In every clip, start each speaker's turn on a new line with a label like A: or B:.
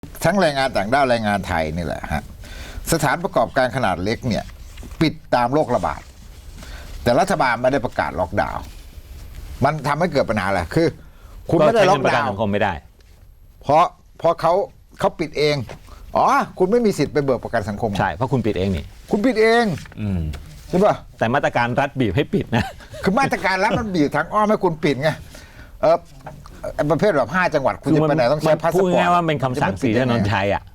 A: ทั้งแรงงานต่างด้าวแรงงานไทยนี่แหละฮะสถานประกอบการขนาดเล็กเนี่ยปิดตามโรคระบาดแต่รัฐบาลไม่ได้ประกาศล็อกดาวน์มันทำให้เกิดปัญหาอะไรคือคุณไม่ได้ล็อกดาวน์
B: สังคมไม่ได้
A: เพราะเขาปิดเองอ๋อคุณไม่มีสิทธิ์ไปเบิกประกันสังคม
B: ใช่เพราะคุณปิดเองนี่
A: คุณปิดเองใช่ป่ะ
B: แต่มาตรการรัฐบีบให้ปิดนะ
A: คือมาตรการรัฐมันบีบทางอ้อมให้คุณปิดไงประเภทแบบ5 จังหวัดคุณจะไปไหนต้องใช้พาสปอร์ต
B: พูดง่ายว่าเป็นคำสั่งศรีถนนชัยอ่ะ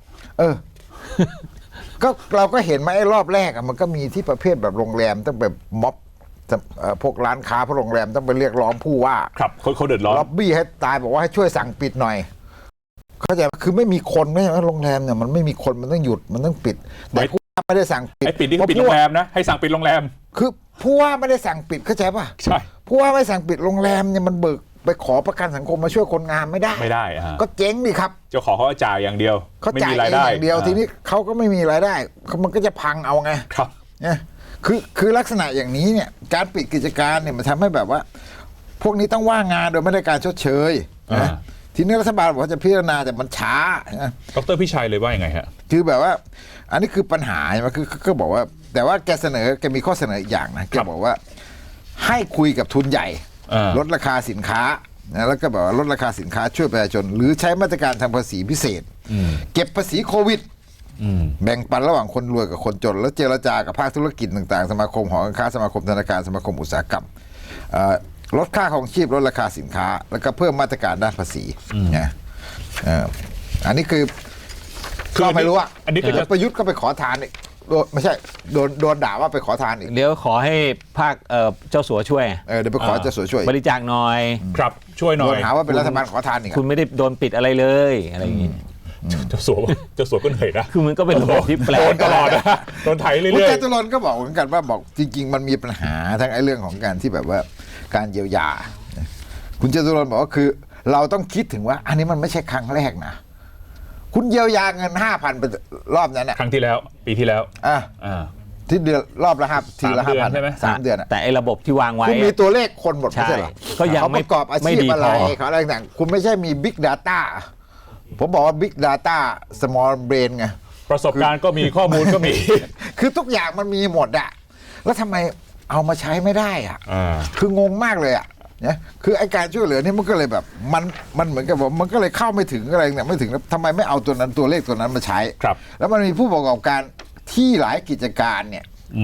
A: ก็เราก็เห็นมาไอ้รอบแรกมันก็มีที่ประเภทแบบโรงแรมต้องแบบม็อบพวกร้านค้าพวกโรงแรมต้องไปเรียกร้องผู้ว่า
C: ครับเขาเดือดร้อน
A: ล็อบบี้ให้ตายบอกว่าให้ช่วยสั่งปิดหน่อยเข้าใจคือไม่มีคนไม่ใช่ว่าโรงแรมเนี่ยมันไม่มีคนมันต้องหยุดมันต้องปิดแต่ผู้ว่าไม่ได้สั่งปิด
C: ไอ้ปิดนี่คือปิดโรงแรมนะให้สั่งปิดโรงแรม
A: คือผู้ว่าไม่ได้สั่งปิดเข้าใจป่ะ
C: ใช่
A: ผู้ว่าไม่สั่งปิดโรงแรมเนี่ยมันเบิกไปขอประกันสังคมมาช่วยคนงานไม่ได้ก็เจ๊งดิครับ
C: เจ้าของเขาจ่ายอย่างเดียว
A: เขาจ่ายอย่างเดียวทีนี้เขาก็ไม่มีรายได้มันก็จะพังเอาไง
C: ครับ
A: เนี่ยคือลักษณะอย่างนี้เนี่ยการปิดกิจการเนี่ยมันทำให้แบบว่าพวกนี้ต้องว่างงานโดยไม่ได้การชดเชยนะทีนี้รัฐบาลบอกว่าจะพิจารณาแต่มันช้า
C: ดร.พิชัยเลยว่ายังไงฮะ
A: คือแบบว่าอันนี้คือปัญหาใช่ไหมคือก็บอกว่าแต่ว่าแกมีข้อเสนออีกอย่างนะแกบอกว่าให้คุยกับทุนใหญ่ลดราคาสินค้าแล้วก็แบบว่าลดราคาสินค้าช่วยประชาชนหรือใช้มาตรการทางภาษีพิเศษเก็บภาษีโควิดแบ่งปันระหว่างคนรวยกับคนจนแล้วเจรจากับภาคธุรกิจต่างๆสมาคมหอการค้าสมาคมธนาคารสมาคมอุตสาหกรรมลดค่าครองชีพลดราคาสินค้าแล้วก็เพิ่มมาตรการด้านภาษีนะอันนี้คือก็ไม่รู้อ่ะ
C: อันนี้ก็จะ
A: ประยุทธ์ก็ไปขอทานอีกไม่ใช่โดนด่าว่าไปขอทานอีก
B: เดี๋ยวขอให้ภาคเจ้าสัวช่วย
A: เดี๋ยวไปขอเจ้าสัวช่วย
B: บริจาคหน่อย
C: ครับช่วยหน่อย
A: โดนหาว่าเป็นรัฐบาลขอทานอีก
B: คุณไม่ได้โดนปิดอะไรเลยอะไรอย่างงี้
C: เจ้าสัวก็เหนื่อยนะ
B: คือมันก็เป็นระบบที่แปลก
C: ตลอดนะโดนไถเรื่อยๆ
A: คุณจตุรนต์ก็บอกเหมือนกันว่าบอกจริงๆมันมีปัญหาทั้งไอ้เรื่องของการที่แบบว่าการเยียวยาคุณจตุรนต์บอกว่าคือเราต้องคิดถึงว่าอันนี้มันไม่ใช่ครั้งแรกนะคุณเยียวยาเงิน 5,000 ไปรอบนั้นน่ะ
C: ครั้งที่แล้วปีที่แล้ว
A: ที่เดือนรอบละทีละ 5,000
C: ใช่ไหม
A: 3 เดือน
B: แต่ไอ้ระบบที่วางไว้
A: คุณมีตัวเลขคนหมดไม่ใช่เหรอ
B: ก็ยังไม่
A: ประกอบอาชีพอะไรเขาอะไรต่างคุณไม่ใช่มี Big Data ผมบอกว่า Big Data Small Brain ไง
C: ประสบการณ์ก็มีข้อมูลก็มี
A: คือทุกอย่างมันมีหมดอะแล้วทำไมเอามาใช้ไม่ได้อะคืองงมากเลยอะเนี่ยคือไอการช่วยเหลือนี่มันก็เลยแบบมันเหมือนกับว่ามันก็เลยเข้าไม่ถึงอะไรเนี่ยไม่ถึงทำไมไม่เอาตัวนั้นตัวเลขตัวนั้นมาใช้แล้วมันมีผู้ประกอบการที่หลายกิจการเนี่ย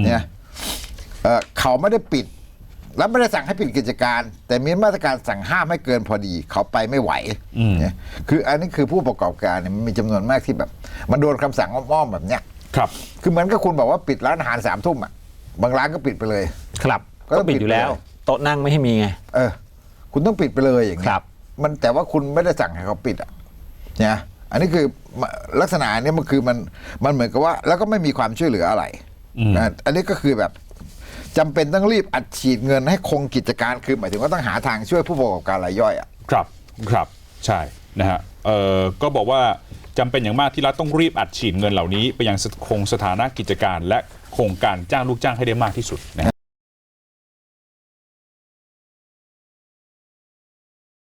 A: เขาไม่ได้ปิดแล้วไม่ได้สั่งให้ปิดกิจการแต่มีมาตรการสั่งห้ามให้เกินพอดีเขาไปไม่ไหวเนี่ยคืออันนี้คือผู้ประกอบการเนี่ยมันมีจำนวนมากที่แบบมันโดนคำสั่งอ้อมๆแบบเนี้ย
C: ครับ
A: คือเหมือนกับคุณบอกว่าปิดร้านอาหาร3 ทุ่มอ่ะบางร้านก็ปิดไปเลย
B: ครับก็ปิดอยู่แล้วโต๊ะนั่งไม่ให้มีไง
A: คุณต้องปิดไปเลยอย่างนี้มันแต่ว่าคุณไม่ได้สั่งให้เขาปิดอ่ะเนี่ยอันนี้คือลักษณะนี้มันคือมันเหมือนกับว่าแล้วก็ไม่มีความช่วยเหลืออะไรอันนี้ก็คือแบบจำเป็นต้องรีบอัดฉีดเงินให้คงกิจการคือหมายถึงว่าต้องหาทางช่วยผู้ประกอบการรายย่อยอ่ะ
C: ครับใช่นะฮะก็บอกว่าจำเป็นอย่างมากที่รัฐต้องรีบอัดฉีดเงินเหล่านี้ไปยังคงสถานะกิจการและโครงการจ้างลูกจ้างให้ได้มากที่สุดนะ